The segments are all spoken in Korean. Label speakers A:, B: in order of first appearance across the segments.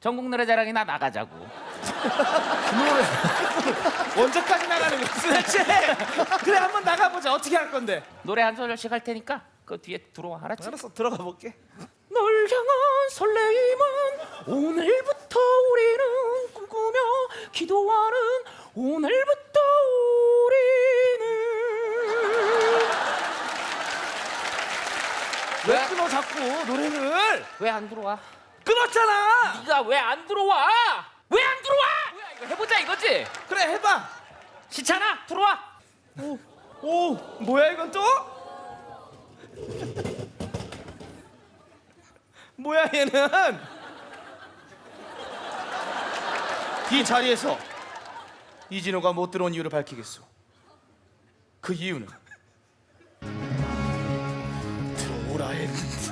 A: 전국 노래자랑이나 나가자고.
B: 언제까지 나가는 거야 도대체? 그래 한번 나가보자. 어떻게 할 건데?
A: 노래 한 소절씩 할 테니까 그 뒤에 들어와. 알았지?
B: 알았어 들어가 볼게.
A: 널 향한 설레임은 오늘부터 우리는 꿈꾸며 기도하는 오늘부터 우리는.
B: 왜 끊어 자꾸 노래를?
A: 왜 안 들어와?
B: 끊었잖아.
A: 네가 왜 안 들어와? 왜 안 들어와? 뭐야 이거 해보자 이거지?
B: 그래 해봐.
A: 시찬아 들어와.
B: 오 뭐야 이건 또? 뭐야 얘는? 이 자리에서 이진호가 못 들어온 이유를 밝히겠소. 그 이유는 들어오라 했는데.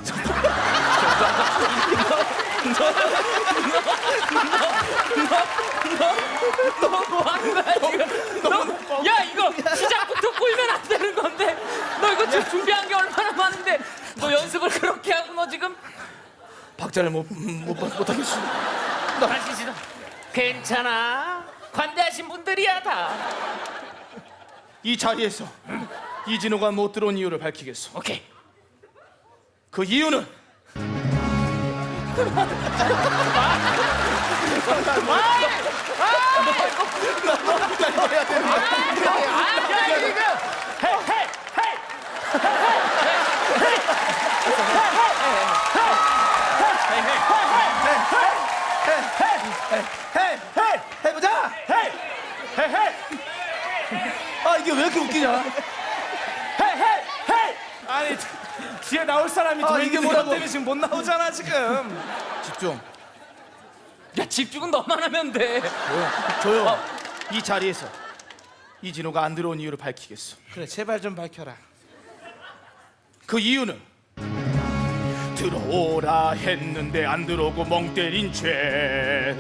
A: 뭐 하는 거야 지금? 야 이거 시작부터 꼬이면 안 되는 건데 너 이거 지금 준비한 게 얼마나 많은데 너 연습을 그렇게 하고 너 지금
B: 박자를 못하겠어.
A: 다시 시작. 괜찮아 관대하신 분들이야 다.
B: 이 자리에서 이진호가 못 들어온 이유를 밝히겠소.
A: 오케이.
B: 그 이유는 해보자. 아 이게 왜 이렇게 웃기냐? 아니 뒤에 나올 사람이 더 이게
A: 있는데
B: 뭐라고?
A: 너 때문에 지금 못 나오잖아 지금.
B: 집중.
A: 야 집중은 너만 하면 돼.
B: 조용. 이 자리에서 이진호가 안 들어온 이유를 밝히겠어. 그래 제발 좀 밝혀라. 그 이유는 들어오라 했는데 안 들어오고 멍 때린 죄.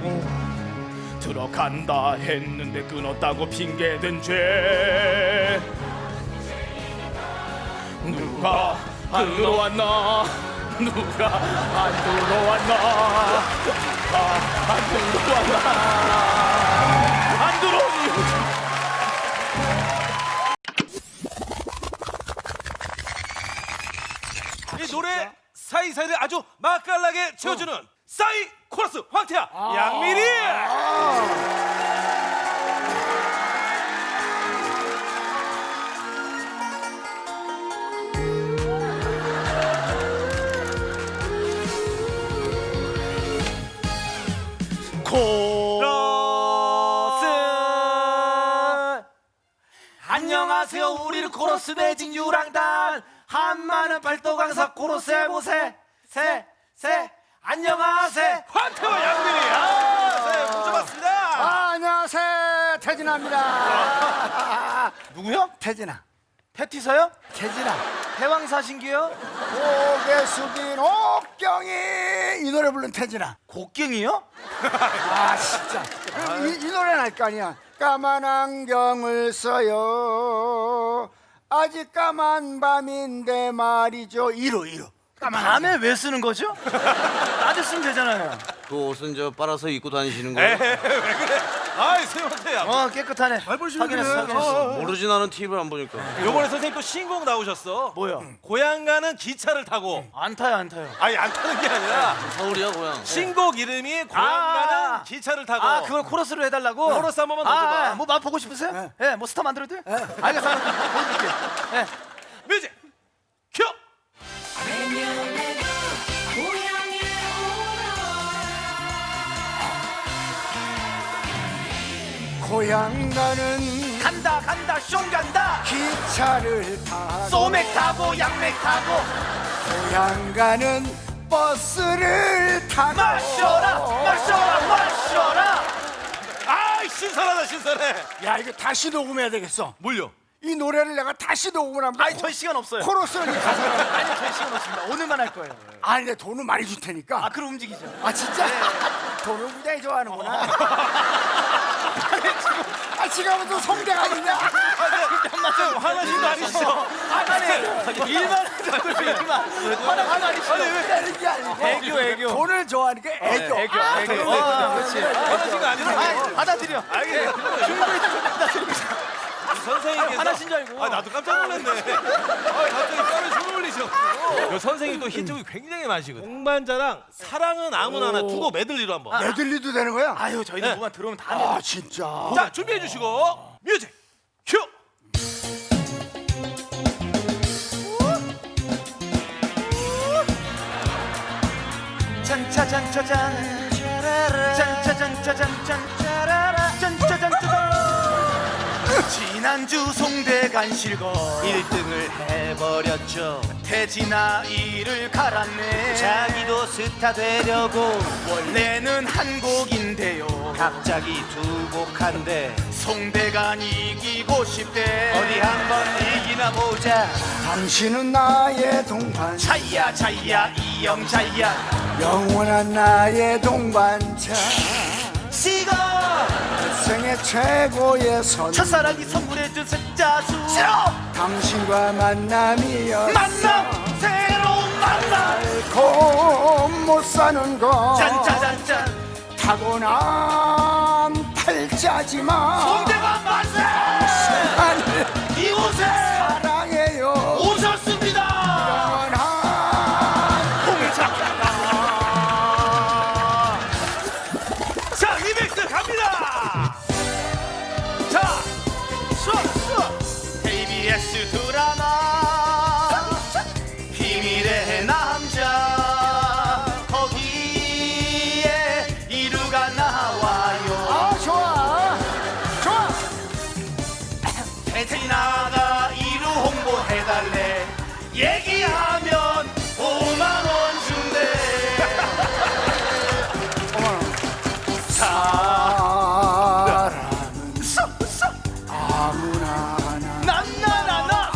B: 들어간다 했는데 끊었다고 핑계댄 죄. 누가 안 들어왔나? 누가 안 들어왔나? 안 들어왔나? 안 들어오니?
C: 이 노래 사이사이를 아주 맛깔나게 채워주는 싸이 코러스 황태야 양미리.
B: 코러스.
C: 안녕하세요 우리는 코러스 매직 유랑단 한마는 팔도강사 코러스 해보세 세 안녕하세요 황태와 양미리. 네, 모셔봤습니다.
D: 안녕하세요, 태진아입니다.
C: 누구요?
D: 태진아,
C: 패티서요?
D: 태진아.
C: 대왕사신기요?
D: 고개 숙인 옥경이 이 노래 부른 태진아.
C: 곡경이요?
D: 아 진짜. 이 노래는 알 거 아니야. 까만 안경을 써요. 아직 까만 밤인데 말이죠. 이루.
C: 밤에 왜 쓰는 거죠? 낮에 쓰면 되잖아요.
E: 그 옷은 저 빨아서 입고 다니시는 거예요?
C: 왜 그래? 아이 세영태야.
B: 깨끗하네.
C: 확인했어.
E: 모르지 나는 TV를 안 보니까.
C: 요번에 선생님 또 신곡 나오셨어.
B: 뭐야?
C: 고향 가는 기차를 타고.
B: 안 타요, 안 타요.
C: 아니 안 타는 게 아니라
E: 서울이야 고향.
C: 신곡 이름이 고향 가는 기차를 타고.
B: 아, 그걸 코러스로 해달라고?
C: 코러스 한 번만 넣어줘봐.
B: 뭐 맛 보고 싶으세요? 예, 뭐 스타 만들어도 돼요? 알겠어, 보여드릴게요.
C: 뮤직 큐.
D: 고향 가는
B: 간다, 숑 간다.
D: 기차를 타고
B: 소맥 타고, 양맥 타고.
D: 고향 가는 버스를 타고
B: 마셔라.
C: 아 신선하다 신선해.
D: 야 이거 다시 녹음해야 되겠어.
C: 뭘요?
D: 이 노래를 내가 다시 녹음을 하면
B: 아니, 저희 시간 없어요.
D: 코러스는 이 가사를
B: 아니, 저희 시간 없습니다. 오늘만 할 거예요.
D: 아니 내 돈은 많이 줄 테니까.
B: 그럼 움직이죠.
D: 아 진짜? 돈을 굉장히 좋아하는구나. 아 지금 또 성대가 아니냐?
C: 좀 화나신 거 아니시죠?
B: 일만 화나는 거 아니시죠?
D: 때리는 게 아니고
B: 애교.
D: 돈을 좋아하니까 애교.
B: 애교. 그렇지.
C: 화나신 거 아니죠?
B: 받아들여.
C: 선생님께서
B: 화나신 줄 알고.
C: 나도 깜짝 놀랐네. 갑자기 뼈를 손을 올리셔. 선생님 또 힌트가 굉장히 많으시거든요. 동반자랑 사랑은 아무나나 두고 메들리로 한번.
D: 메들리도 되는 거야?
B: 아유 저희는
C: 네.
B: 뭐만 들어오면 다
D: 아 진짜.
C: 자 준비해 주시고 뮤직 큐.
B: 짠짜잔짜잔 짠짜잔짜잔짠 짠짜잔짜잔 지난주 송대 간실거
E: 1등을 해버렸죠.
B: 태진아 이를 갈았네
E: 자기도 스타 되려고
B: 원래는 한 곡인데요
E: 갑자기 두 곡한데
B: 송대간 이기고 싶대
E: 어디 한번 이기나 보자.
D: 당신은 나의 동반,
B: 차이야 이영차이야
D: 영원한 나의 동반자,
B: 시거
D: 생애 최고의 선.
B: 첫사랑이 선물해준 색자수
D: 당신과 만남이여
B: 만남 새로운 만남
D: 알고 못 사는 것
B: 짠짜잔짠
D: 타고난 팔자지만
B: 송대간 만세
D: 하늘
B: 이곳에
D: 사랑해요
B: 오셨습니다
D: 영원한
B: 홍차가
C: 자 리믹스 갑니다. 자
B: KBS 드라마 비밀의 남자 거기에 이루가 나와요
D: 아 좋아 좋아
B: 태진아가 이루 홍보해달래 얘기하면 5만원 준대
D: 사람은 아무나 하나
B: 난나나나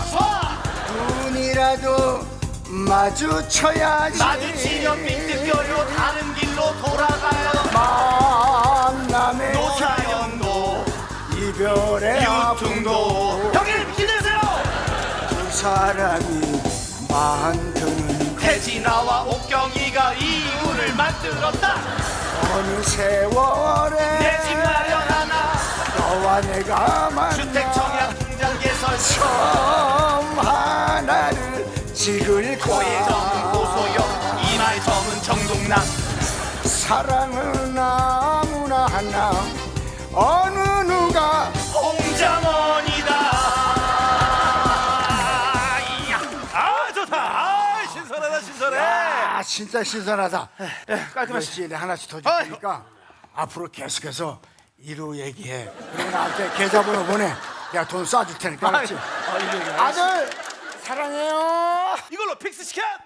D: 눈이라도 마주쳐야지
B: 마주치면 삐뚤겨요 다른 길로 돌아가요
D: 만남의
B: 노사연도
D: 이별의
B: 유퉁도 형님 힘내세요
D: 두 사람이 만드는
B: 태진아와 옥경이가 이유를 만들었다
D: 어느 세월에
B: 내 집 마련하나
D: 너와 내가 만나
B: 주택청약 통장 개설
D: 처음 하나를 찍을
B: 코의 점은
D: 거야
B: 고소영 이마의 점은 정동남
D: 사랑은 아무나 하나 어느 누가
B: 홍장원이다
C: 아 좋다. 아 신선하다 신선해.
D: 아 진짜 신선하다
B: 깔끔하시
D: 열심히 하나씩 더 줄 테니까 앞으로 계속해서 이루 얘기해 그리고 나한테 계좌번호 보내 내가 돈 쏴줄 테니까 알았지? 아들 사랑해요
C: 이걸로 픽스 시켜.